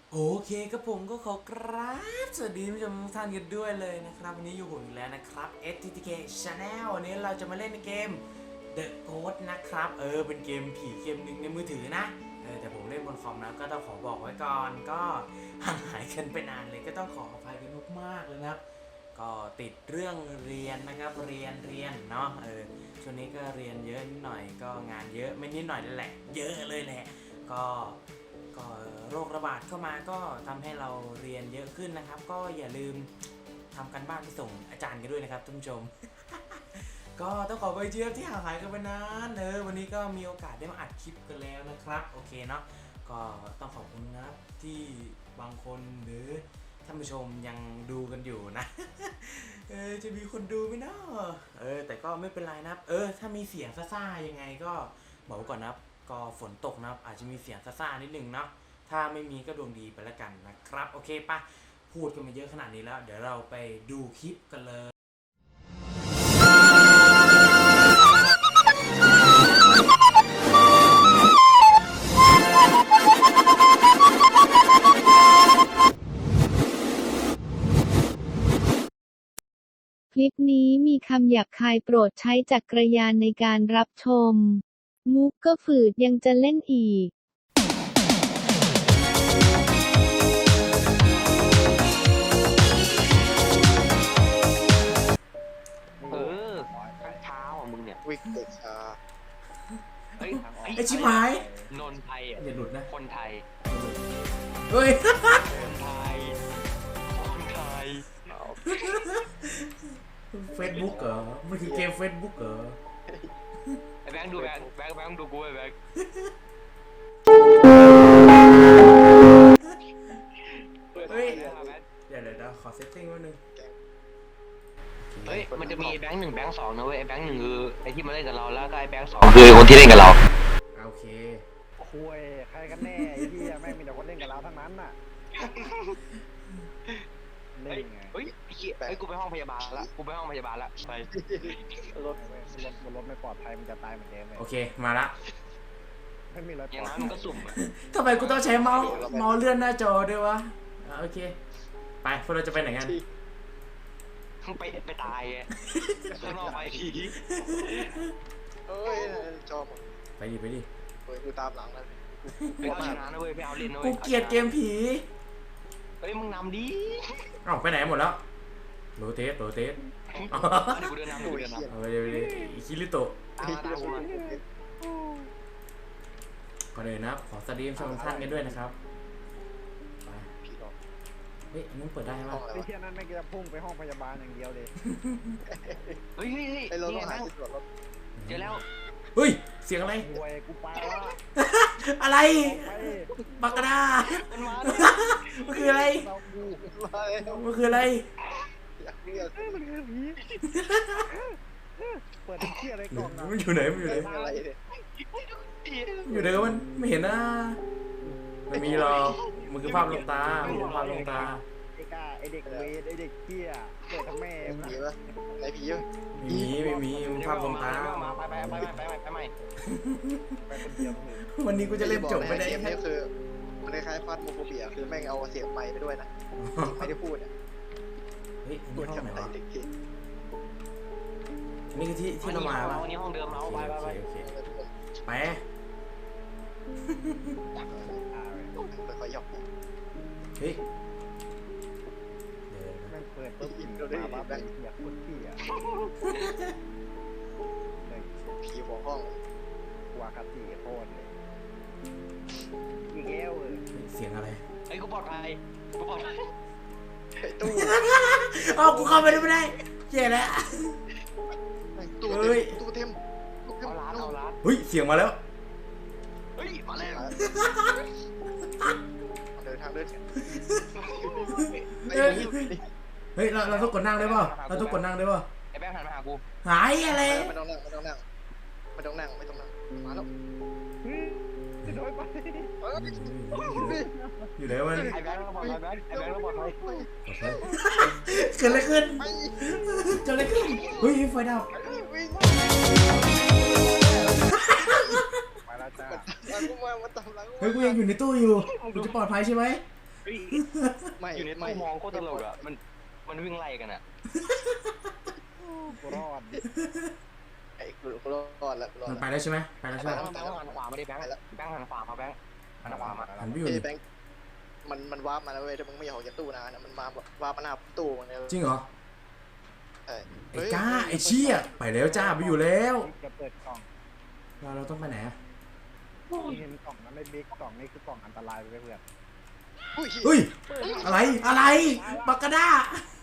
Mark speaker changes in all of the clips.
Speaker 1: โอเคครับผมก็ขอกราบสวัสดีผู้ชมทุกท่านกันด้วยเลยนะครับวันนี้อยู่ผมอีกแล้วนะครับ STTK Channel วันนี้เราจะมาเล่นเกม The Ghost นะครับเป็นเกมผีเกมหนึ่งในมือถือนะแต่ผมเล่นบนคอมนะก็ต้องขอบอกไว้ก่อนก็ห่างหายกันไปนานเลยก็ต้องขออภัยกันมากๆเลยนะครับก็ติดเรื่องเรียนนะครับเรียนเนาะช่วงนี้ก็เรียนเยอะนิดหน่อยก็งานเยอะไม่นิดหน่อยนั่นแหละเยอะเลยแหละก็โรคระบาดเข้ามาก็ทำให้เราเรียนเยอะขึ้นนะครับก็อย่าลืมทำกันบ้านไปส่งอาจารย์กันด้วยนะครับท่านผู้ชม ก็ต้องขอไปเจี๊ยบที่ห่างหายกันไปนานวันนี้ก็มีโอกาสได้มาอัดคลิปกันแล้วนะครับโอเคเนาะก็ต้องขอบคุณนะครับที่บางคนหรือท่านผู้ชมยังดูกันอยู่นะ จะมีคนดูไหมเนาะแต่ก็ไม่เป็นไรนะครับถ้ามีเสียงซ่าๆยังไงก็บอกไว้ก่อนนะครับก็ฝนตกนะครับอาจจะมีเสียงซ่าๆนิดนึงเนาะถ้าไม่มีก็ดวงดีไปแล้วกันนะครับโอเคปะพูดกันมาเยอะขนาดนี้แล้วเดี๋ยวเราไปดูคลิปกันเลย
Speaker 2: คลิปนี้มีคำหยาบคายโปรดใช้จักรยานในการรับชม มุกก็ฝืดยังจะเล่นอีก
Speaker 3: เออข้างเท้าอ่ะมึงเนี่ย
Speaker 4: วิกเตชา
Speaker 3: เฮ้ย
Speaker 1: ไอ้ชิบหาย
Speaker 3: นนไทยอ่ะ
Speaker 1: อย่าหลุดนะ
Speaker 3: คนไทย
Speaker 1: เฮ้ย
Speaker 3: คนไทย คนไทย
Speaker 1: เฟซบุ๊กเหรอมันคือเกมเฟซบุ๊กเหรอ
Speaker 3: ไอ้แบงค์ดูแบงค์ดูกูไอ้แบงค์
Speaker 1: เฮ้ย
Speaker 3: แบงค์
Speaker 1: เดี๋ยวขอเซตติ้งไว้นึง
Speaker 3: เฮ้ยมันจะมีไอ้แบงค์หนึ่งแบงค์สองนะเว้ยไอ้แบงค์หนึ่งคือไอ้ที่มาเล่นกับเราแล้วก็ไอ้แบงค์สองคือคนที่เล่นกับเรา
Speaker 1: โอเค
Speaker 5: คุยใครกันแน่ไอ้เหี้ยแม่งมีแต่คนเล่นกับเราทั้งนั้นน่ะเล่นไง
Speaker 3: เฮ้ยไอ้เหี้ยไอ้กูไปห้องพยาบาลละไป
Speaker 5: รถไม่ปลอดภัยมันจะตายเหมือนเดิมเลย
Speaker 1: โอเคมาละ
Speaker 5: ไม่มีรถ
Speaker 3: อย่างนั้นมันก็สุ่มอ่ะ
Speaker 1: ทำไมกูต้องใช้เมาส์เลื่อนหน้าจอด้วยวะโอเคไปพวกเราจะไปไหนกัน
Speaker 3: ไปตายอ่ะข้างนอกไปที
Speaker 4: เอ้ยชอบ
Speaker 1: ไปดิ
Speaker 4: เฮ้ยกูตามหลังแล้ว
Speaker 3: ไปเอาชนะนะเว้ยไปเอาเล่นนะเว้
Speaker 1: กู
Speaker 3: ย
Speaker 1: เกลียดเกมผี
Speaker 3: เฮ้ยมึงนำดิ
Speaker 1: เอ้าไปไหนหมดแล้วโรเตส
Speaker 3: เดี๋ยวกูเดินนำ
Speaker 1: เอาไปเลยอิคิริโตะ
Speaker 3: ตามกูมา
Speaker 1: ก่อนอื่นนะครับขอสวัสดีชมทุกท่านกันด้วยนะครับไป
Speaker 4: พี่หรอก
Speaker 1: เฮ้ยอันนี้เปิดได้ไหม
Speaker 4: ห้องอะไร
Speaker 5: ไอ้
Speaker 4: วะ
Speaker 5: เหี้ยนั้นไม่งจะพุ่งไปห้องพยาบาลอย่างเดียวเลย
Speaker 3: เฮ้ย
Speaker 4: ไอ้เรา
Speaker 3: นี่
Speaker 4: ต้อง
Speaker 3: ไง
Speaker 4: หา
Speaker 3: แบงค์
Speaker 4: ที่ตรวจรถ
Speaker 3: เจอแล้ว
Speaker 1: เฮ้ยเสียงอะไร
Speaker 5: คุยกูไปละ
Speaker 1: อะไร
Speaker 5: ไป
Speaker 1: บักกะดา
Speaker 3: มันมา
Speaker 1: มันคืออะไร
Speaker 5: เรากู
Speaker 4: มาแล้ว
Speaker 1: มันคืออะไร
Speaker 4: อยากเรียก
Speaker 5: มันคือผีเปิดเหี้ยอะไรกล่องนะ
Speaker 1: มันอยู่ไหน
Speaker 4: อะไรเนี่ย
Speaker 1: อยู่ไหนกันมันไม่เห็นนะไม่มีหรอกมันคือภาพลวงตามันคือภาพลวงตา
Speaker 5: ไอ้กาไอ้เด็กเวทไอ้เด็กเหี้ยเกิดทั้งแม่
Speaker 4: ผีปะไหนผีปะ
Speaker 1: ไม่มีมันภาพลวงตา
Speaker 3: ไปใหม่
Speaker 5: ไปคนเดียวเลย
Speaker 1: วันนี้กูจะเล่นจบไม่ได้
Speaker 4: เกมนี้คือมันคล้ายๆฟาดโมโคเบียคือแม่งเอาเสียงไมค์ไปด้วยนะไม่ได้พูดอ่ะ
Speaker 1: เฮ้ย
Speaker 4: พูด
Speaker 1: นี่ห้องไหน
Speaker 4: ทำไม
Speaker 1: วะ
Speaker 4: เด็กที่
Speaker 1: นี่คือที่เรามาปะ
Speaker 3: วันนี้ห้องเดิมเรา
Speaker 1: โอ
Speaker 3: ไป
Speaker 1: เคไป
Speaker 4: ค่อยๆหยอก
Speaker 1: เฮ้ย
Speaker 5: แม่งเปิดปุ๊บมาบ้าแบบอยากพูดพี่อ่ะ
Speaker 4: ผีหัวห้อง
Speaker 5: วาคาติโคตรเลยอีกแล้ว
Speaker 1: เสียงอะไร
Speaker 3: ไอ้กูปลอดภัยกูปลอดภัย
Speaker 4: ตู้
Speaker 1: อ๋อกูเข้าไปไม่ได้แย่แล้ว
Speaker 4: ตู้เต็มตู้เต็ม
Speaker 3: เอาร้าน
Speaker 1: เฮ้ยเสียงมาแล้ว
Speaker 3: เฮ้ยมาแล้ว
Speaker 4: เดินทางเดิน
Speaker 1: เฮ้ยเราต้องกดนั่งได้ป่ะเราต้องกดนั่งได้ป่ะ
Speaker 3: ไอ้แบงค์หันมาหากู
Speaker 1: หายอะไร
Speaker 4: ไม่ต้องนั่งมาแล้ว
Speaker 5: จะโดนไป
Speaker 1: อยู่ไหนมัน
Speaker 3: ไอ้แบงค์เราปลอดภัยไอ้แบงค์เราปลอดภัย
Speaker 1: เกิดอะไรขึ้นเกิดอะไรขึ้นเฮ้ยไฟดับ
Speaker 5: ไปแล้วจ้า
Speaker 4: กูมาตามหลัง
Speaker 1: เฮ้ยกูยังอยู่ในตู้อยู่กูจะปลอดภัยใช่ไหม
Speaker 3: เฮ้ย
Speaker 4: ไม่
Speaker 3: อยู่ใน
Speaker 4: ไม่
Speaker 3: ตู้มองโคตรตลกอ่ะมันวิ่งไล่กันอ่ะ
Speaker 5: กูรอด
Speaker 4: ไอ้กูรอดแล้วกูรอด
Speaker 1: มัน
Speaker 4: แล้ว
Speaker 1: ไปแล้วใช่ไหมไปแล้วใช่ไหม
Speaker 3: แบงค์หันขวามาดิแบงค์หันขวามาแบงค์หันขวามา
Speaker 1: หันไปอยู่
Speaker 4: ไอ้
Speaker 1: ดิ
Speaker 4: แบงค์มันวาร์ปมาแล้วเว้ยถ้ามึงไม่อยากออกจากตู้นานนะมันมาวาร์ปมาหน้าตู้มันเลย
Speaker 1: จริงเหรอ
Speaker 4: ใช่
Speaker 1: ไอ้ก้าไอ้เชี่ยไปแล้วจ้าไปอยู่แล้ว
Speaker 5: จะเปิดกล่อง
Speaker 1: เราต้องไปไหนอะ
Speaker 5: เห็นกล่องนั้นไม่บิ๊กกล่องนี้คือกล่องอันตรายไปเพื่อน
Speaker 1: เฮ้ยอะไรบักกะด้า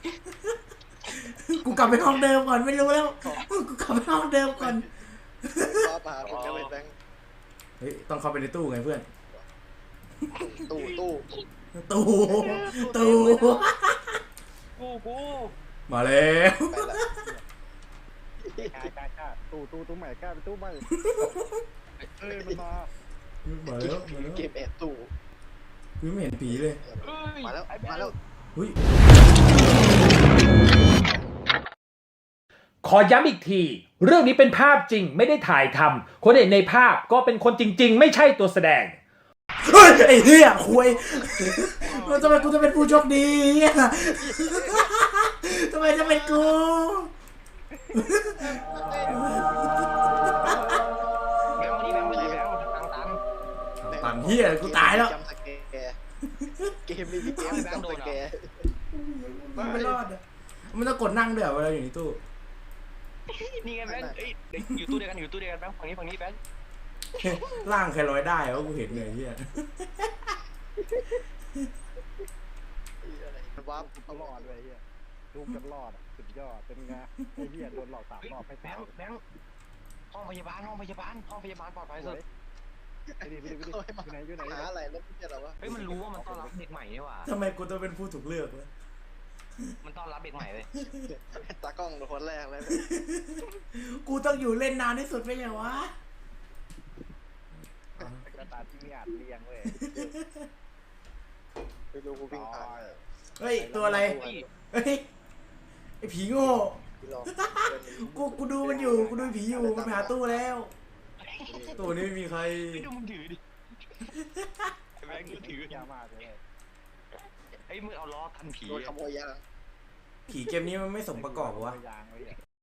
Speaker 1: กูกลับไปห้องเดิมก่อนไม่รู้แล้วกูกลับไปห้องเดิมก่อน
Speaker 4: วาร์ปมาถึงจะเป็นแบงค์
Speaker 1: เฮ้ยต้องเข้าไปในตู้ไงเพื่อน
Speaker 4: ตู้
Speaker 1: ตู้
Speaker 3: กู
Speaker 1: มาแล้ว
Speaker 4: ไปแล้ว
Speaker 5: กล้าตู้ใหม่กล้าเป็นตู้ใหม่มันมา
Speaker 1: มาแล้ว
Speaker 4: เกมแอบตู้
Speaker 1: กูไม่เห็นผีเลย
Speaker 4: มาแล้วมาแล้ว
Speaker 1: เฮ้ย
Speaker 6: ขอย้ำอีกที เรื่องนี้เป็นภาพจริงไม่ได้ถ่ายทำคนเห็นในภาพก็เป็นคนจริงๆ ไม่ใช่ตัวแสดง
Speaker 1: เฮ้ยไอ้เหี้ยคุยทำไมกูจะเป็นผู้โชคดีทำไมจะเป็นกู
Speaker 3: แบงค์มาดิแบงค์ไปไหนแบงค์ตัน
Speaker 1: ตันเหี้ยกูตายแล้ว
Speaker 4: จำสแกร์เกมนี้มีเกมจำสแกร์
Speaker 1: มันไม่รอดอะมันต้องกดนั่งด้วยเหรอเวลาอยู่ในตู้
Speaker 3: นี่ไงแบงค์เอ้ยอยู่ตู้เดียวกันแบงค์ฝั่งนี้แบงค์
Speaker 1: ร่างใครลอยได้วะกูเห็นเลยเหี้ย
Speaker 4: วาร์ป
Speaker 5: กูรอดเลยเฮียดูกันรอดสุดยอดเป็นไงไอ้เฮียโดนหลอก3 รอบให้
Speaker 3: แบ
Speaker 5: ตาย
Speaker 3: งค์ห้องพยาบาลปลอดภัยสุด
Speaker 5: ไปดิอยู่ไหน
Speaker 4: หาอะไรแล้วไม่ใช่หรอวะ
Speaker 3: เฮ้ยมันรู้ว่ามันต้อนรับเด็กใหม่นี่หว่า
Speaker 1: ทำไมกูต้องเป็นผู้ถูกเลือกวะ
Speaker 3: มันต้อนรับเด็กใหม่เลย
Speaker 4: ตากล้องคนแรกเลย
Speaker 1: กูต้องอยู่เล่นนานที่สุดไม่ใช่วะ
Speaker 5: กระตาที่มีอาจเรียงเว้ย
Speaker 4: ไปดูกูวิ่งผ่าน
Speaker 1: เฮ้ยตัวอะไรเฮ้ยไอ้ผีโง่
Speaker 4: พี่ลอง
Speaker 1: กูดูมันอยู่กูดูผีอยู่มันไปหาตู้แล้วตู้นี้ไม่มีใคร
Speaker 3: ดูมึงถือดิแบงค์ถือย
Speaker 5: ามากเลย
Speaker 3: ไอ้มึงเอาล้อกันผี
Speaker 4: โดนขโมยยาง
Speaker 1: ผีเกมนี้มันไม่สมประกอบวะ
Speaker 5: ยางเลย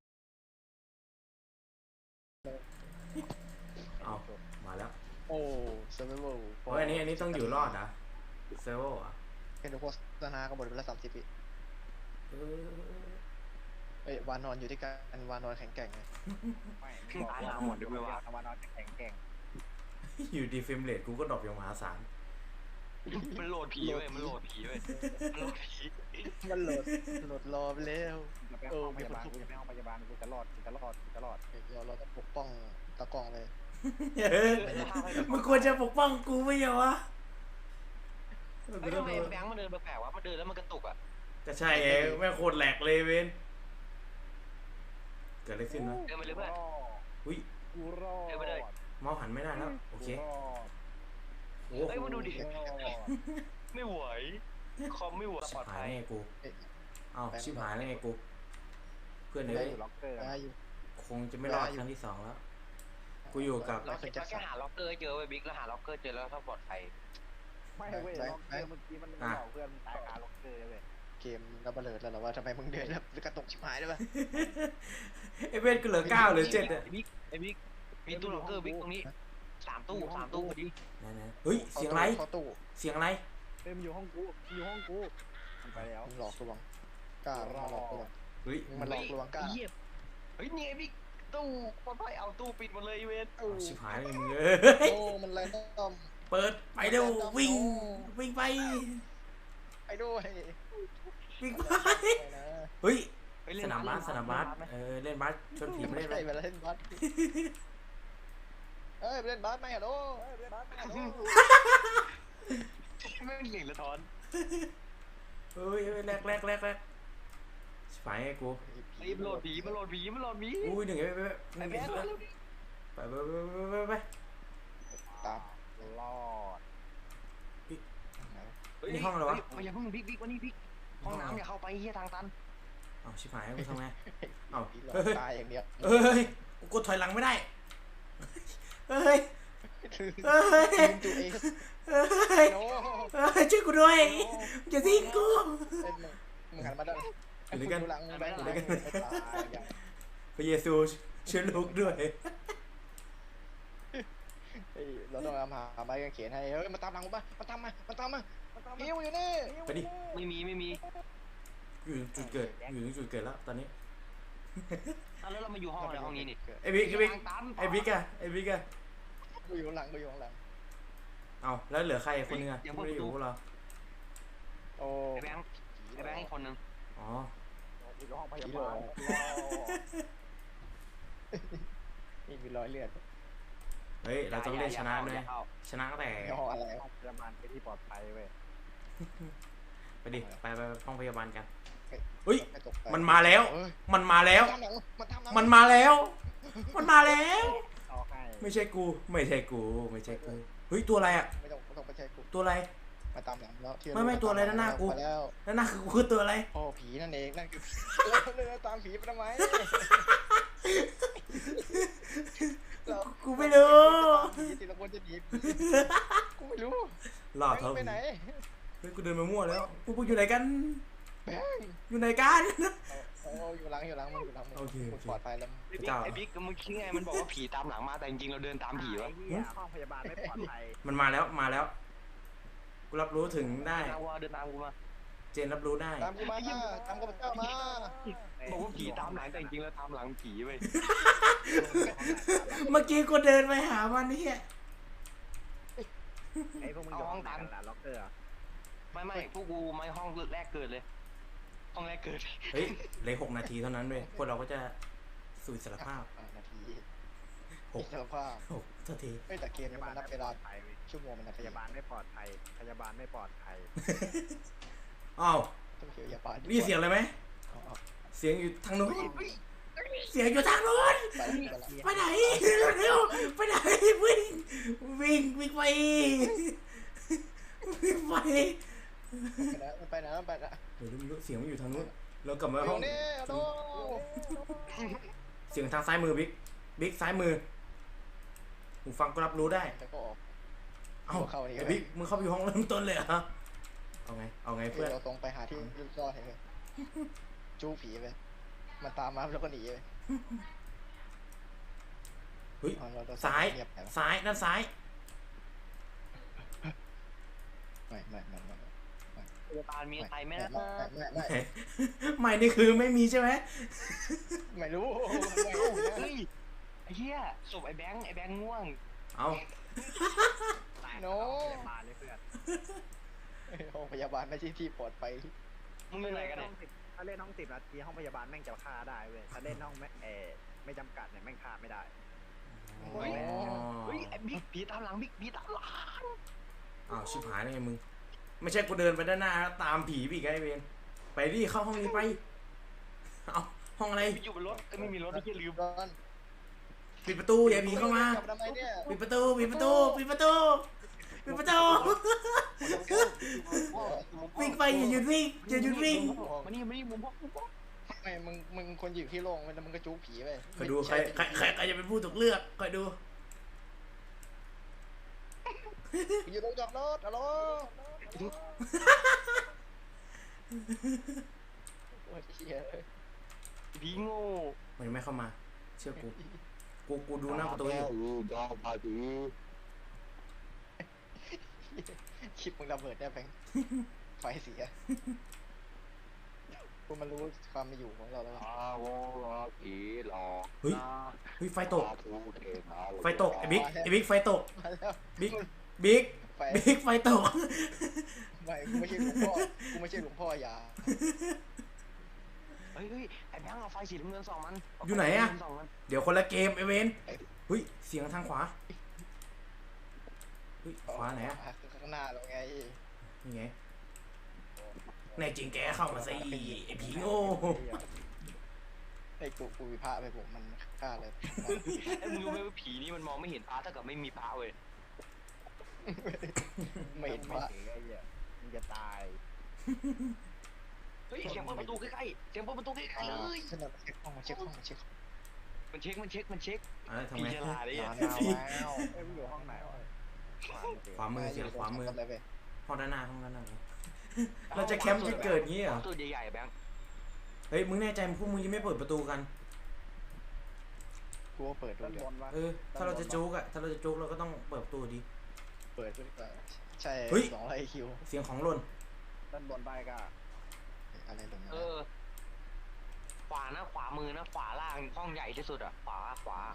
Speaker 1: เอามาแล้ว
Speaker 4: โอ้เซอร์ไวเวอร์
Speaker 1: โอ้ยอันนี้ต้องอยู่รอดนะเซเวอร์อ่ะ
Speaker 4: เป็นโฆษณาก็หมดไปแล้ว30 ปีเอ้ยวานอนอยู่ที่กันวานอนแข็งแกร่งเลย
Speaker 5: วานอนจะแข็งแกร่ง
Speaker 1: อยู่ดีเฟรมเรทกูก็ดรอปอย่างมหาศาล
Speaker 3: มันโหลดผีเว้ยมันโหลดผี
Speaker 4: มันโหลดรอไปแล้ว
Speaker 5: จะไปห้องพยาบาลกูจะไปห้องพยาบาลกูจะรอด
Speaker 4: เราต้องปกป้องตากล้องเลย
Speaker 1: มึงควรจะปกป้องกูไม่ใช่วะ
Speaker 3: ไม่ทำไมแบงค์มันเดินแปลกๆวะมันเดินแล้วมันกระตุกอ่ะ
Speaker 1: ก็ใช่เองแม่งโคตรแหลกเลยเว้นเกิดอะไรขึ้นวะ
Speaker 3: เดินไปเลยเพื่อน
Speaker 1: อุ้ย
Speaker 5: กูรอด
Speaker 1: เมาส์หันไม่ได้แล้วโอเคโอ้
Speaker 3: เฮ้ย
Speaker 1: โห
Speaker 3: มาดูดิไม่ไหวคอมไม่ไหวปลอด
Speaker 1: หา
Speaker 3: ภั
Speaker 1: ย
Speaker 3: ย
Speaker 1: ไงกูเอ้าชิบหายแล้วไงกูเพื่อน
Speaker 5: ได้
Speaker 1: เอ้ย
Speaker 5: อยู่ล็อกเกอร์
Speaker 4: ได้อยู่
Speaker 1: คงจะไม่รอดครั้งที่ 2แล้วกูอยู่กับ
Speaker 3: เราแค่หาล็อกเกอร์เจอไว้บิ๊กแล้วหาล็อกเกอร์เจอแล้วถ้าปลอดภัย
Speaker 5: ไม่เว้ยล็อกเกอร์เมื่อกี้มันหลอกเพื่อนตายคาล็อกเกอร์เลย
Speaker 4: เกมระเบิดแล้วเหรอว่าทำไมมึงเดินแล้วกระตุกชิบหายได้ปะ
Speaker 1: ไอ้เว้นกูเหลือ9หรือ7อ่ะ
Speaker 3: ไอ้บิ๊กมีตู้ล็อกเกอร์บิ๊กตรงนี้3 ตู้พอดี
Speaker 1: ไหนๆเฮ้ยเสียงอะไร
Speaker 4: เข้าตู้
Speaker 1: เสียงอะไร
Speaker 5: เต็มอยู่ห้องกูมันไปแล้ว
Speaker 4: มึงหลอกลวงกล้ามาหลอกลวง
Speaker 1: เฮ้ย
Speaker 4: มึงมาหลอกลวงกล้า
Speaker 3: เยี่ยมเฮ้ยนี่ไงบิ๊กตู้ปลอดภัยเอาตู้ปิดหมดเลยเวน
Speaker 1: เอาชิบหายเลยมึง
Speaker 4: โอ้มันแรงต้อม
Speaker 1: เปิดไปเร็ววิ่งไป
Speaker 4: ไปด้วย
Speaker 1: วิ่งไป
Speaker 4: นะ
Speaker 1: เฮ้ยสนามบาสเล่นบาสชนผีไม่
Speaker 4: ไม่
Speaker 1: ได้
Speaker 4: ใช่
Speaker 1: ไหม
Speaker 4: เวลาเล่นบาสเอ้ยไปเล่นบาสไหมฮัลโหลเล่นบาสไหมฮัลโหล
Speaker 3: ไม่เหลี่ยงละทอน
Speaker 1: เฮ้ยแรกชิบหายไงกู
Speaker 3: รีบโหลดผีมันโหลดผี
Speaker 1: อุ้ยหนึ่งไป
Speaker 3: ไอ้แบงค์เร็วดิ
Speaker 1: ไป
Speaker 4: ตาม
Speaker 5: รอด
Speaker 1: นี่ห้องอะไรวะ
Speaker 3: อย่าเพิ่งบิ๊กวันนี้บิ๊กห้องน้ำอย่าเข้าไปเฮียทางตัน
Speaker 1: เอาชิบหายกูทำไงเอา
Speaker 4: ผีหลอกตายอย่างเดียว
Speaker 1: เฮ้ยกูกดถอยหลังไม่ได้เฮ้ยเฮ้ย
Speaker 4: ลืมตัวเอง
Speaker 1: เฮ้ย
Speaker 4: โน้
Speaker 1: เฮ้ยช่วยกูด้วยอย่าทิ้งกู
Speaker 4: มึงหันมาด้าน
Speaker 1: อยู่ด้วยกัน
Speaker 4: หลังมึงไปอยู่ด้วยกันไม่ตายอย่าง
Speaker 1: พระเยซูช่วยลูกด้วย
Speaker 4: เฮ้ยเราต้องเอาหาไม้กางเขนให้เฮ้ยมาตามหลังกูป่ะมาตามมาหิวอยู่นี่
Speaker 1: ไปดิ
Speaker 3: ไม่มี
Speaker 1: อยู่จุดเกิดอยู่ที่จุดเกิดแล้วตอนนี้
Speaker 3: เอาแล้วเรามาอยู่ห้องอะไรห้องนี้นี่
Speaker 1: ไอ้บิ๊ก
Speaker 3: ตาม
Speaker 1: ไอ้บิ๊กอะไอ้บิ๊กอะ
Speaker 4: กูอยู่ข้างหลังกูอยู่ข้างหลัง
Speaker 1: เอาแล้วเหลือใครคนนึงอะที่ไม่ได้อยู่พวกเรา
Speaker 4: โอ้
Speaker 3: ไอ้แบงค์อีกคนนึง
Speaker 1: อ๋อ
Speaker 5: อยู่ห้องพ
Speaker 4: ผี
Speaker 5: ยา
Speaker 4: หล
Speaker 5: บา
Speaker 4: อ
Speaker 5: ล
Speaker 4: นี่มีรอยเลือด
Speaker 1: เฮ้ยเราต้องเล่นชนะด้วยชนะตั้งแต่
Speaker 4: ในห้องอะไร
Speaker 5: ห้องพยาบาลเป็นที่ปลอดภัยเว้ย
Speaker 1: ไปดิไปห้องพยาบาลกันเฮ้ย
Speaker 4: ไม่ตกไป
Speaker 1: มันมาแล้ว
Speaker 4: เฮ้ย
Speaker 1: มันมาแล้ว
Speaker 4: ตามหลังมันตามหลัง
Speaker 1: มันมาแล้ว มันมาแล้ว
Speaker 5: เอาให้
Speaker 1: ไม่ใช่กูไม่ใช่กูเฮ้ยตัวอะไรอะ
Speaker 4: ไม่ต้องไปใช้กู
Speaker 1: ตัวอะไร
Speaker 4: มาตามหลังแล้วที่
Speaker 1: ไม่ตัวอะไรด้านหน้ากู
Speaker 4: ไปแล้ว
Speaker 1: แล้วนั่นคือตัวอะไร
Speaker 4: โอ้ผีนั่นเองนั่นคือผีเลยตามผีไปทำไมเรา
Speaker 1: กูไม่รู้
Speaker 4: ผีทีละคนจะหนีกูไม่รู้
Speaker 1: หล่อเท่า
Speaker 4: ไปไหน
Speaker 1: เฮ้ยกูเดินมามั่วแล้วพวกอยู่ไหนกัน
Speaker 4: แบง
Speaker 1: อยู่ไหนกัน
Speaker 4: โอ้อยู่หลังมึงอยู่หลังมึง
Speaker 1: โอเค
Speaker 4: มึงปลอดภัยแล้ว
Speaker 3: ไอ้บิ๊กมึงคิดไงมันบอกว่าผีตามหลังมาแต่จริงๆเราเดินตามผีวะ
Speaker 5: ไอ้เหี้ยห้องพยาบาลไม่ปลอดภัย
Speaker 1: มันมาแล้วกูรับรู้ถึงได้
Speaker 3: เดินตามกูมา
Speaker 1: เจนรับรู้ได้
Speaker 4: ตามกูมาตามกูเจ้ามา
Speaker 3: บอกว่าผีตามหลังแต่จริงๆเราตามหลังผีเว้ย
Speaker 1: เมื่อกี้กูเดินไปหามันนี่
Speaker 5: ไอ้พวกมึงอยู่ห้องไหนกันล่ะล็อกเกอร์อะ
Speaker 3: ไม่พวกกูไม่ห้องแรกเกิดเลย ห้องแรกเกิด
Speaker 1: เฮ้ยเหลือ6 นาทีเท่านั้นเว้ยพวกเราก็จะสู่อิสรภาพ
Speaker 4: นาที
Speaker 1: หก
Speaker 4: อิสรภาพ
Speaker 1: เท่าที
Speaker 4: เฮ้ยแต่เกม
Speaker 5: พ
Speaker 4: นี้
Speaker 5: ยาบา
Speaker 4: มั
Speaker 5: ล
Speaker 4: นนับ
Speaker 5: ไม่
Speaker 4: เว
Speaker 5: ปล
Speaker 4: ลา
Speaker 5: อดภัยเว้ย
Speaker 4: ชั่วโมงมันนับ
Speaker 5: พยาบาลไม่ปลอดภัยพยาบาลไม่ปลอดภัย
Speaker 1: อ้าว
Speaker 4: ต้องเขียวยาบาล
Speaker 1: นี่เสียงอะไรไหมเสียงอยู่ทางนู้นเสียงอยู่ทางนู้น
Speaker 4: ไปแล้ว
Speaker 1: ไปไหนเร็วไปไหนวิ่งไปวิ่งไป
Speaker 4: ไปไหนไปไหน
Speaker 1: เดี๋ยวไม่รู้เสียงมันอยู่ทางนู้นเรากลับมา
Speaker 4: ห้
Speaker 1: ห้
Speaker 4: อ
Speaker 1: อง ง
Speaker 4: นี้โด
Speaker 1: เสียงทางซ้ายมือบิ๊กซ้ายมือหูฟังก็รับรู้ได้
Speaker 4: แล้วก็ออก
Speaker 1: เอ้า
Speaker 4: เข้านี่
Speaker 1: ไอ้บิ๊กมึงเข้าไปอยู่ห้องเริ่มต้นเลยเหรอเอาไงเพื่อน
Speaker 4: เราตรงไปหาที่ลูกซ่อนเลยจู้ผีไปมันตามมาแล้วก็หนีไป
Speaker 1: เฮ้ยซ้ายด้านซ้าย
Speaker 4: ไม่
Speaker 3: พยาบาลมีใครไหมนะ
Speaker 1: ไม่นี่คือไม่มีใช่ไหม
Speaker 4: ไม่รู้
Speaker 3: เฮ้ยไอ้เหี้ยศพไอ้แบงค์ง่วง
Speaker 1: เอา
Speaker 5: ตาย
Speaker 4: โน
Speaker 5: พยาบาลเลยเพื่อน
Speaker 4: ห้องพยาบาลไม่ใช่ที่ปลอดภัย
Speaker 3: มึงเป็นไรกันเนี่ย
Speaker 5: ถ้าเล่นห้อง10 นาทีห้องพยาบาลแม่งจะฆ่าได้เว้ยถ้าเล่นห้องไม่จำกัดเนี่ยแม่งฆ่าไม่ได้
Speaker 3: เฮ้ยไอ้บิ๊กผีตามหลังบิ๊กผีตามหลัง
Speaker 1: อ้าวชิบหายได้ไงมึงไม่ใช่กูเดินไปด้านหน้าตามผีอีกไงเวนไปดิเข้าห้องนี้ไปเอาห้องอะไร
Speaker 3: อยู่บนรถก็ไม่มีรถไม่ใช่ลืม
Speaker 4: ร้อน
Speaker 1: ปิดประตูอย่าผีเข้ามา
Speaker 4: ทำไมเนี่ย
Speaker 1: ปิดประตูวิ่งไปอย่าหยุดวิ่ง
Speaker 3: มานี่มุมพ่อ
Speaker 4: ไม่มึงคนอยู่ที่โรงมันมึงก็จู้ผีไป
Speaker 1: คอยดูใครจะเป็นผู้ถูกเลือกคอยดู
Speaker 4: อยู่ตรงจอดรถฮัลโหลโอ้ยเชี่ย
Speaker 3: ผีโง่
Speaker 1: มันไม่เข้ามาเชื่อกูดูหน้าประตูอยู่
Speaker 4: คลิปมึงระเบิดได้แบงไฟเสียกูมันรู้ความมีอยู่ของเราแล้ว
Speaker 1: เฮ้ยไฟตกไอ้บิ๊กไฟตก
Speaker 4: มาแล้ว
Speaker 1: บิ๊ก
Speaker 4: ไฟ
Speaker 1: ไฟตก
Speaker 4: ไม่กูไม่ใช่หลวงพ่อกูไม่ใช่หลวงพ่ออย่า
Speaker 3: เฮ้ยไอ้แบงค์เอาไฟสีน้ำเงินส่องมัน
Speaker 1: อยู่ไหนอะเดี๋ยวคนละเกมไอเวนเฮ้ยเสียงทางขวาเฮ้ยขวาไหนอะ
Speaker 4: ข้างหน้าเราไง
Speaker 1: นี่ไงแน่จริงแกเข้ามาสิไอผีโง่
Speaker 4: ไอ้กูวิพากษ์ไปผมมันฆ่าเลย
Speaker 3: ไอ้มึงรู้ไหมว่าผีนี่มันมองไม่เห็นพระถ้าเกิดไม่มีพระเว้ย
Speaker 4: ไม่เห็น
Speaker 5: ไม่
Speaker 4: พระ
Speaker 5: ถึงไอ้เหี้ยมึงจะตาย
Speaker 3: เฮ้ยเสียงเปิดประตูใกล้ๆเลย
Speaker 4: ขึ้นมาเช็คห้อง
Speaker 3: มันเช็ค
Speaker 1: อะไรทำ
Speaker 3: พี่
Speaker 1: ไม
Speaker 3: ฉลาดดิ
Speaker 4: นอน
Speaker 3: อ่ะ
Speaker 4: แล้ว
Speaker 5: เอ้ยมึงอยู่ห้องไหนวะ
Speaker 1: ขวามือเสียงขวามือ
Speaker 4: เลยเว้ย
Speaker 1: ห้องด้านหน้าเราจะแคมป์จุดเกิดงี้เหรอ
Speaker 3: ตู้ใหญ่ๆแบงค์
Speaker 1: เฮ้ยมึงแน่ใจพวกมึงยังไม่เปิดประตูกัน
Speaker 4: กูว่าเปิดดู
Speaker 5: ด้าน
Speaker 4: เดี๋ย
Speaker 5: บ
Speaker 4: วน
Speaker 5: วะ
Speaker 1: ถ้าเราจะจุกอะถ้าเราจะจุกเราก็ต้องเปิดประตูดิ
Speaker 4: เปิดด้วยกันใช่
Speaker 1: เฮ้ย
Speaker 4: 200 IQ
Speaker 1: เสียงของหล่น
Speaker 5: ด้านบนไปก็
Speaker 4: อะไรตรงนี้
Speaker 3: ขวานะขวามือนะขวาล่างห้องใหญ่ที่สุดอ่ะขวา
Speaker 5: ขวา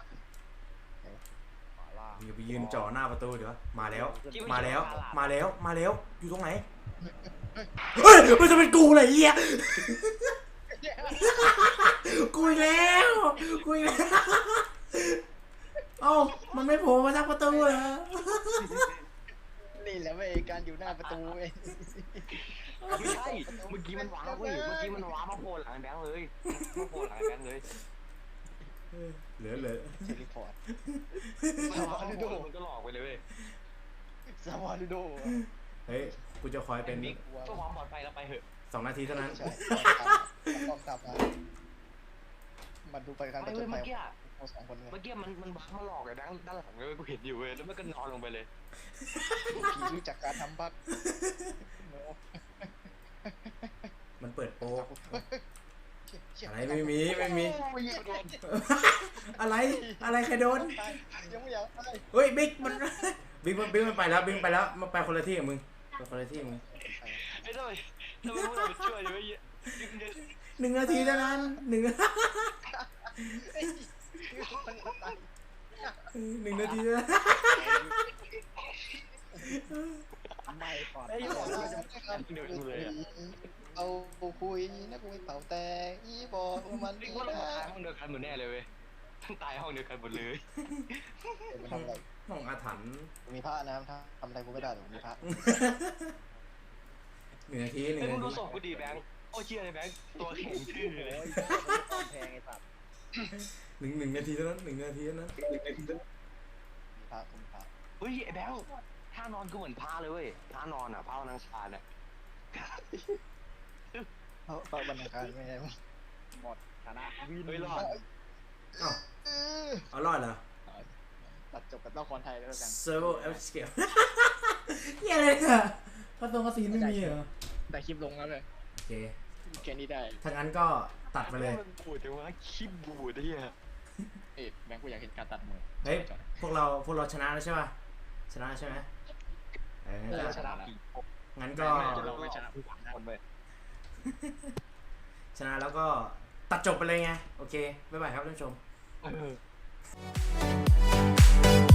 Speaker 5: ล่าง
Speaker 1: อย่าไปยืนจ่อหน้าประตูเดี๋ยวมาแล้ว
Speaker 3: ที่
Speaker 1: มาแล้ว
Speaker 3: ไใช่
Speaker 1: มาแล้ว มาแล้ว อยู่ตรงไหน เฮ้ยมันจะเป็นกูเลยเหี้ยกูอีกแล้วกูอีกแล้วเอ้ามันไม่โผล่มาจากประตูเหรอ
Speaker 4: นี่แหละเว้ยการอยู่หน้าประตูเว้ย
Speaker 3: ไม่ใช่เมื่อกี้มันว้าเว้ยเมื่อกี้มันว้ามาโผล่หลังแบงค์เลยมาโผล่หลังแบงค์เลย
Speaker 1: เหลือ
Speaker 4: เทเลพอร์ต
Speaker 3: มันว้ามาโผล่มันก็หลอกไปเลยเว้ย
Speaker 4: ซาวาลูโด
Speaker 1: เฮ้ยกูจะคอยเป็น
Speaker 3: บิ๊กเพื่อความปลอดภัยเราไปเถอะ
Speaker 1: 2 นาทีเท่านั้น
Speaker 4: ใช่ต้องกลับมามันดูไปการ
Speaker 3: ไป
Speaker 4: ประจ
Speaker 3: เว้ย
Speaker 4: นภั
Speaker 3: เมื่
Speaker 4: ย
Speaker 3: อกี้
Speaker 4: ของ2 คนเลย
Speaker 3: เมื่อกี้มันว้ามาหลอกไอ้แบงค์ด้านหลังเลยกูเห็นอยู่เว้ยแล้วมันก็นอนลงไปเลย
Speaker 4: ผีรู้จักการทำบั๊ก
Speaker 1: มันเปิดโปร
Speaker 4: เชี่ย
Speaker 1: อะไรไม่มี
Speaker 3: โอ้ยโดน
Speaker 1: อะไรใครโดน
Speaker 4: ยังไม่อยากไป
Speaker 1: เฮ้ยบิ๊กมันบิ๊กมันไปแล้วบิ๊กไปแล้วมันไปคนละที่กับมึงไปคนละที่กับมึง
Speaker 3: ไอ้ทำไมพวกเราไปช่วยอยู่ไอ้เหี้ย
Speaker 1: 1 นาทีเท่านั้น1 1 นาทีเท่านั้น
Speaker 5: ไม่ปลอด
Speaker 3: ไอ้
Speaker 5: ภัย
Speaker 3: เหี้ยบอกว่าจะเดือดเลยอ่ะ
Speaker 4: เอาคุยนักคุยเป่าแต่อีบอกมัน
Speaker 3: บิ๊
Speaker 4: ดี
Speaker 3: กว่าเรา
Speaker 4: นะ
Speaker 3: ตายห้องเดียวกันหมดแน่เลยเว้ยทั้งตายห้องเดียวกันหมดเลย
Speaker 4: มันทำอะไร
Speaker 1: ห้องอาถรรพ์
Speaker 4: มีพระนะครับถ้าทำอะไรกูไม่ได้หรอกมีพระ
Speaker 1: 1 นาที
Speaker 3: ไอ้มึง
Speaker 1: 1
Speaker 3: ดู
Speaker 1: นาที
Speaker 3: ศพกูดีแบงค์โอ้เชี่ยเลยแบงค์ตัวแข็งทื่อเลย
Speaker 5: โอ้ยแพงไอ้สัตว์
Speaker 1: 1 นาทีเท่านั้น1 นาทีเท่านั้น
Speaker 4: มีพระคุณพระ
Speaker 3: เฮ้ยไอ้แบงค์ท่านอนก็เหมือนพาเลยเว้ยท่านอนอ่ะพานางชาเนี่ย
Speaker 4: พระบรรณาการไม่ได้
Speaker 5: หมดชนะวิน
Speaker 3: เฮ้ยรอด
Speaker 1: เอ้าเอารอดเหรอ
Speaker 4: ตัดจบกับละครไทยแล้วกัน
Speaker 1: Servo F scale เหี้ยอะไรเนี่ยกระทงกระสีไม่มีเหรอ
Speaker 4: แต่คลิปลงแล้วเลย
Speaker 1: โอเค
Speaker 4: แค่นี้ได้
Speaker 1: ถ้างั้นก็ตัดไปเลย
Speaker 3: มันบูดจังวะขี้บูดไอ้เหี้ย
Speaker 4: แบงค์กูอยากเห็นการตัดมือ
Speaker 1: เฮ้ยพวกเราชนะแล้วใช่ป่ะชนะใช่ไหมงั้นก็
Speaker 3: ชนะผี
Speaker 1: งั้นก็
Speaker 3: เราไม่ชนะผู้หวังคนไป
Speaker 1: ชนะแล้วก็ตัดจบไปเลยไงโอเคบ๊ายบายครับท่านผู้ชม
Speaker 3: เออ